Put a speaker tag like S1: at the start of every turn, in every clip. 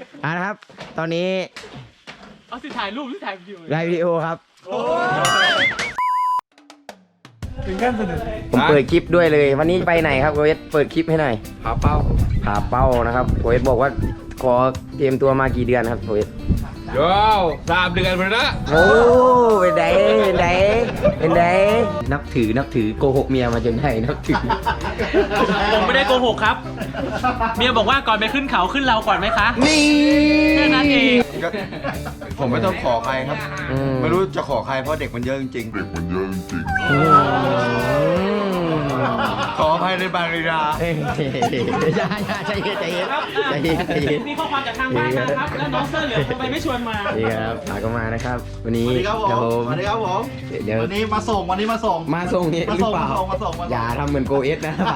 S1: นะครับตอนนี้
S2: เอาสิถ่ายรูปหรือถ่ายวิดีโอ
S1: ไลฟ์วิดีโอครับ
S2: ถึงขั้นสนุก
S1: ผมเปิดคลิปด้วยเลยวันนี้ไปไหนครับโกเอสเปิดคลิปให้หน่อย
S3: ผาเป้า
S1: ผ่าเป้านะครับโกเอสบอกว่าขอเตรียมตัวมากี่เดือนครับโกเอส
S3: โย่3 เดือนไปแล้ว
S1: โอ้เป็นไดนับถือโกหกเมียมาจนได้นับถือ
S2: ผมไม่ได้โกหกครับ เมียบอกว่าก่อนไปขึ้นเขาขึ้นเราก่อนไหมคะ
S1: นี่
S2: แค่นั้นเอง
S4: ผมไม่ต้องขอใครครับ ไม่รู้จะขอใครเพราะเด็กมันเยอะจริงๆขออภัยในบางเวลา
S1: อย่าใจเย็น
S2: มีข้อความจากทางบ้านนะครับ แล้วน้องเสื้อเหลืองทำไมไม่ชวนมา
S1: นี่ครับพาก็มานะครับ วันนี้
S4: สวัสดีครับผม
S1: เดี๋ยว
S4: สวัสดีครับผม
S1: เดี๋ยว
S4: วันนี้มาส่ง
S1: มาส่งนี่หรือเปล่า
S4: มาส่ง
S1: อย่าทำเหมือนโกเอสนะป๋า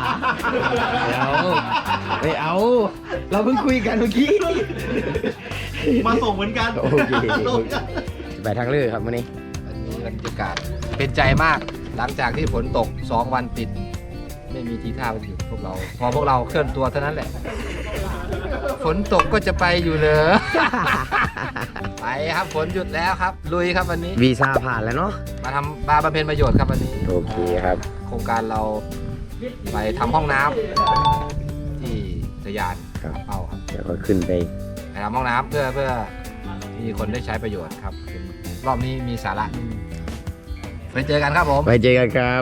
S1: ไม่เอา เราเพิ่งคุยกันเมื่อกี้
S4: มาส่งเหมือนกัน
S1: โอเคไปทางเลือกครับวันนี้
S3: อันนี้บรรยากาศเป็นใจมากหลังจากที่ฝนตก2 วันติด ไม่มีทีท่าไปหยุดพวกเรา พอพวกเราเคลื่อนตัวเท่านั้นแหละ ฝนตกก็จะไปอยู่เลย ไปครับฝนหยุดแล้วครับ ลุยครับวันนี้
S1: วีซ่าผ่านแล้วเนาะ
S3: มาบำเพ็ญประโยชน์ครับวันนี้
S1: โอเคครับ
S3: โครงการเราไปทำห้องน้ำที่สยาน
S1: ครับ
S3: เป้าครับ
S1: เดี๋ยวก็ขึ้นไป
S3: ไปทำห้องน้ำเพื่อมีคนได้ใช้ประโยชน์ครับรอบนี้มีสาระไปเจอกันครับผม
S1: ไปเจอกันครับ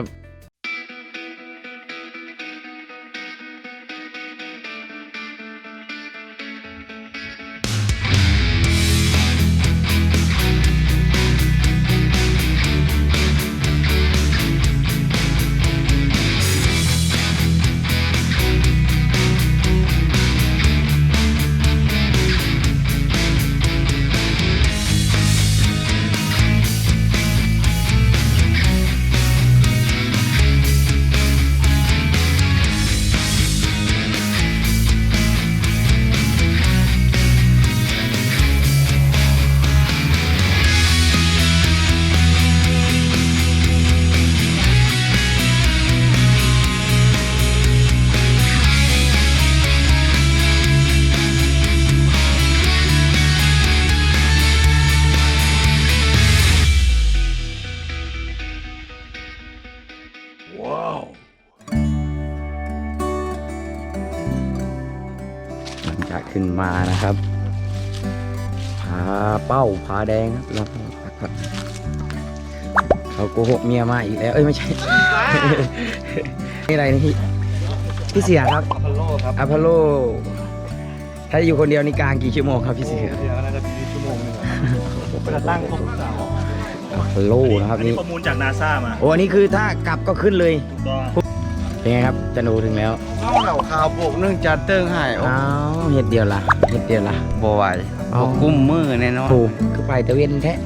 S1: หลังจากขึ้นมานะครับผาเป้าผาแดงครับแล้วก็พักเขาโกหกเมียมาอีกแล้วเอ้ยไม่ใช่ นี่อะไรนี่พี่เสียครับ
S4: อัพพอลโลครับ
S1: อพอลโลถ้าอยู่คนเดียวนี่กลางกี่ชั่วโมงครับพี่เสือ
S4: เดี๋ยวน่าจะมีชั่วโมงนึงจะตั้งครบเสา
S1: อพอลโลนะครับนี่
S5: ข้อมูลจากนาซามา
S1: โอ้อันนี้คือถ้ากลับก็ขึ้นเลย
S5: ถูกต้อง
S1: เป็นไงครับจะโนถึงแล้ว
S4: เอาเหล่าข่าวบกเนื่องจากเติ้งหาย
S1: อ้าวเห็ดเดียวละ
S4: บ่ไหว
S1: อ๋อ
S4: กุ้มมือแน่นอน
S1: ถูกคือไปตะเวนแท้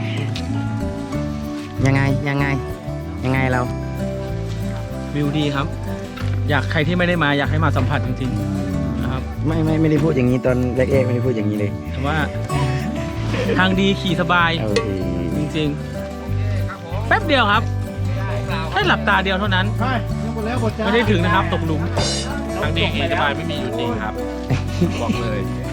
S1: ยังไงเรา
S2: วิวดีครับ อยากใครที่ไม่ได้มาอยากให้มาสัมผัสจริงๆนะครับ
S1: ไม่ได้พูดอย่างนี้ตอนแรกๆไม่ได้พูดอย่างนี้เลย
S2: แต่ว่าทางดีขี่สบาย
S1: โอเค
S2: จริงๆ แป๊บเดียวครับแค่หลับตาเดียวเท่านั้น ไม่ได้ถึงนะครับตกหลุมทางดีขี่สบายไม่มีอยู่จริงครับ บอกเลย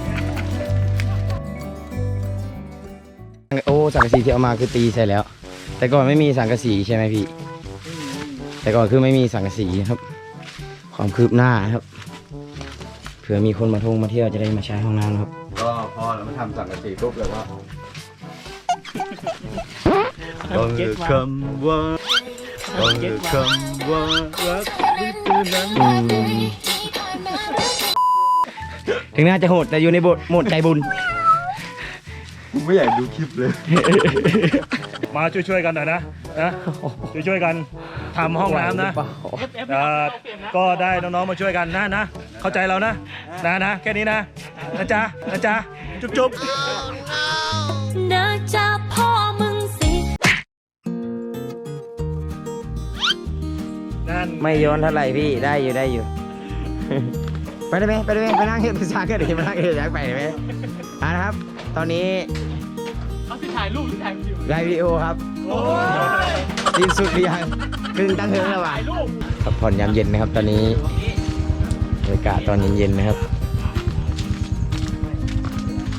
S1: โอ้สังกะสีที่เอามาคือตีใช่แล้ว แต่ก่อนไม่มีสังกะสีใช่ไหมพี่ แต่ก่อนคือไม่มีสังกะสีครับ ความคืบหน้าครับเผื่อมีคนมาท่องมาเที่ยวจะได้มาใช้ห้องน้ำครับ
S4: ก็พอเราไม่ทำสังกะสีปุ๊บเลยว่า คำว่าคำว่ารัก
S1: ถึงน่าจะโหดแต่อยู่ในบทโหมดใจบุญ
S4: ไม่อยากดูคลิปเลย
S5: มาช่วยๆกันหน่อยนะช่วยๆกันทำห้องน้ำนะก็ได้น้องๆมาช่วยกันนะเข้าใจเรานะแค่นี้นะจ๊ะจุ๊บ
S6: นะจ๊ะพ่อมึงสิ
S5: นั่น
S1: ไม่ย้อนเท่าไหร่พี่ได้อยู่ ไปได้ไหมไปนั่งเห็นพิซซ่าก็ดีมานั่งเห็นอยากไปได้ไหมนะครับ ตอนนี้
S2: เอาสิถ่ายรูปหรือถ่ายวิดีโอ
S1: ไลฟ์วิดีโอครับสิ้นสุดหรือยังครึ่งตั้งเทิงแล้วว่ะพักผ่อนยามเย็นนะครับ ตอนนี้บรรยากาศตอนเย็นๆนะครับ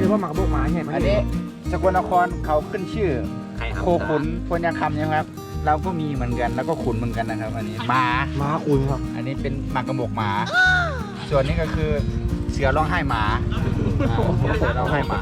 S7: รือว่าหมากบกหมาเนี่ย
S1: อันนี้สกลนครเขาขึ้นชื่อโคขุนพญาคำใช่ไหมครับ เราก็มีเหมือนกันแล้วก็ขุนเหมือนกันนะครับ อันนี้หมา
S7: หมาคุณครับ
S1: อันนี้เป็นหมากกระบอกหมา ส่วนนี้ก็คือเสือร้องไห้หมาเสือร้องไห้หมา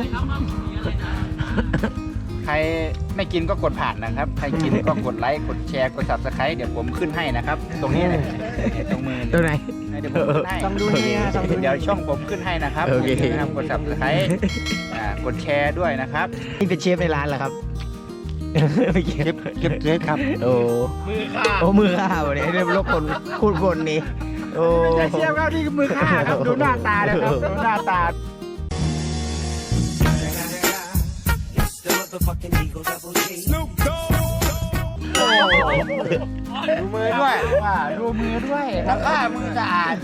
S1: ใครไม่กินก็กดผ่านนะครับ ใครกินก็กดไลค์ กดแชร์ กด subscribe เดี๋ยวผมขึ้นให้นะครับ ตรงนี้เลยตรงมือตรงไหนเดี๋ยวผมขึ้นให้
S7: ต้องดูนี่ฮะต้องดู
S1: เดี๋ยวช่องผมขึ้นให้นะครับ
S4: โอเค
S1: ย่าลืมนะครับกด subscribe กดแชร์ด้วยนะครับ
S4: นี่เป็นเชฟในร้านเหรอครับไม่เก็บ
S1: เก็บเทสครับ
S4: โอ้มือข้าวเนี่ยเรียกว่าคนพูดคนนี้โอ้
S1: อย่าเชื่อครับนี่คือมือฆ่าครับดูหน้าตานะครับดูหน้าตาดูมือด้วยว่าดูมือด้วยแล้วก็มือสะอาด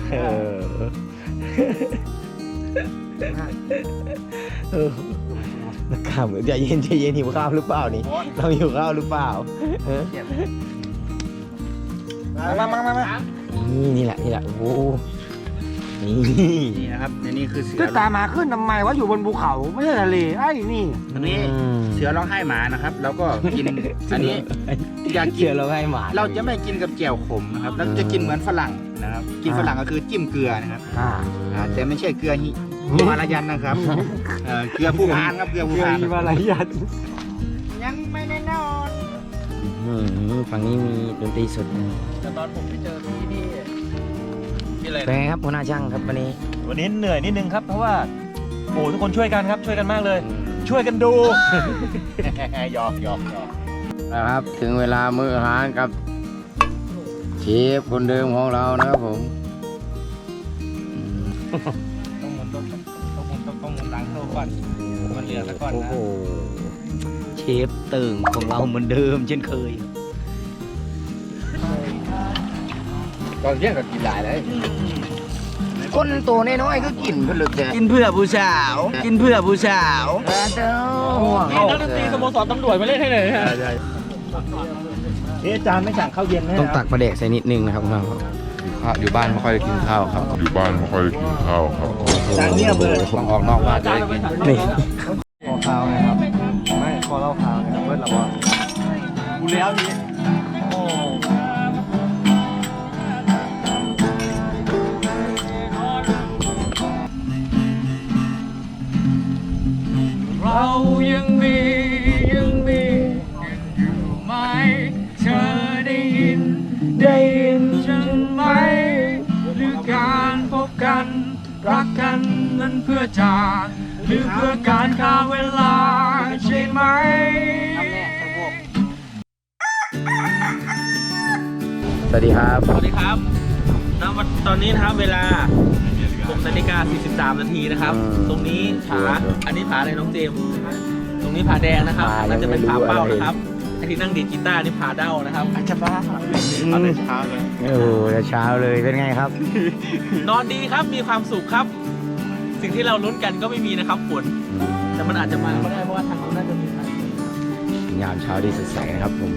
S4: นักข่าวใจเย็นหิวข้าวหรือเปล่านี่เราหิวข้าวหรือเปล่า
S1: มา
S4: นี่แหละโอ้โหนี่
S1: นี่นะครับนี่คือเสือ
S7: ก็ตามหาขึ้นทำไมว่าอยู่บนภูเขาไม่ใช่ทะเลไอ้นี่
S1: อันนี้เสือร้องไห้หมานะครับ แล้วก็กินอันนี้อยากกิ
S4: เชื่
S1: น
S4: อเราให้หมา
S1: เราจะไม่กินกับแจ่วขมนะครับเราจะกินเหมือนฝรั่งนะครับ กินฝรั่งก็คือจิ้มเกลือนะครับแต่ไม่ใช่เกลือฮิมาลายันนะครับเกลือผู้พานครับเกลือผู้พาน
S7: มีอะไรยัน
S1: ยังไม่แน่นอน
S4: ฝั่งนี้มีดนตรีสด
S2: ตอนผมไปเจอพี่นี่อะไร
S4: เป็นไงครับหัวหน้าช่างครับวันนี้
S5: วันนี้เหนื่อยนิดนึงครับเพราะว่าโอ้ทุกคนช่วยกันครับช่วยกันมากเลย ช่วยกันดู
S1: หยอก
S4: นะครับถึงเวลามื้ออาหารกับเชฟคนเดิมของเรานะครับผม
S1: ต้องหมุนหลังโซ่ก่อนมันเหลือซะก่อน
S4: โอ้
S1: นะ
S4: โหเชฟตึงของเราเหมือนเดิมเช่นเคย
S3: ตอนเที่ยงก็กินหลายเลย
S4: คนตัวน้อยๆก็กินเพื่อเกินเพื่อผู้สาว กินเพื่อผู้สาวเจ้าห่วง
S2: นี่นักดนตรีสโมสรตำรวจมาเล่นให้เลยฮะ
S5: นี่อาจารย์ไม่สั่งข้าวเย็นนะ
S4: ต้องตักปลาแดกใส่นิดนึงนะครับเรา
S3: อยู่บ้านไม่ค่อยได้กินข้าวครับ
S8: อยู่บ้านไม่ค่อยได้กินข้าวครับ
S5: จานเงียบเลย
S3: ต้องออกนอกบ้านจะได้กิน
S4: นี่
S7: ขอข้าวนะครับไม่ขอเล่าข่าวนะครับเบิร์ดหรอวะกูแล้วนี่โอ้
S2: เรายังมีอยู่ไหมเธอได้ยินฉันไหมหรือการพบกันรักกันนั้นเพื่อจากหรือเพื่อการฆ่าเวลาใช่ไหม
S4: สวัสดีครับ
S2: สวัสดีครับณตอนนี้นะครับเวลา6:43 นาทีนะครับ ตรงนี้ผาอันนี้ผาอะไรน้องเจมส์ตรงนี้ผาแดงนะครับน่าจะเป็นผาเป้านะครับไอที่นั่งดีดกีตาร์นี่ผาเด้านะครับอาจจะบ้าเอาแต่เช้าเลย
S4: โอ้โหแต่เช้าเลยเป็นไงครับ
S2: นอนดีครับมีความสุขครับ สิ่งที่เราลุ้นกันก็ไม่มีนะครับฝนแต่มันอาจจะมาก็ได้เพราะว่าทางนู้นน่าจะมีฝน
S4: ยามเช้าที่สดใสนะครับผม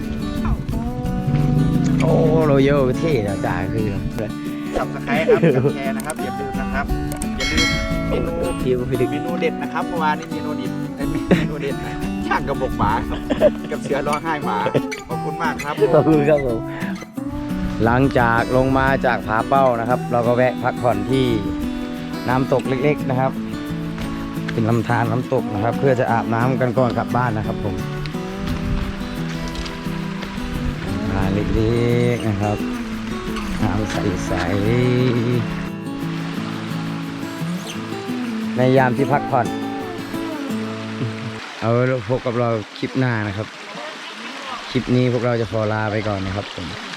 S4: โอ้โรโยเท่นะจ่าคือ
S1: สับสไครครับกดแชร์นะครับอย่าลืมนะครับอย่าลืมเมนู
S4: พี่ก็ไม่ได้
S1: เมนูเด็ดนะครับเมื่อวานนี้เมนูเด็ดเมนูเด็ดช่างกระบอกหมาครับกับเสือร้องไห้หมาขอบคุณมากครับ
S4: ขอบคุณครับผม หลังจากลงมาจากผาเป้านะครับ เราก็แวะพักผ่อนที่น้ำตกเล็กๆนะครับ เป็นลำธารน้ำตกนะครับ เพื่อจะอาบน้ำกันก่อนกลับบ้านนะครับผมเล็กๆนะครับน้ำใสๆในยามที่พักผ่อนเอาไว้พบกับเราคลิปหน้านะครับ คลิปนี้พวกเราจะขอลาไปก่อนนะครับผม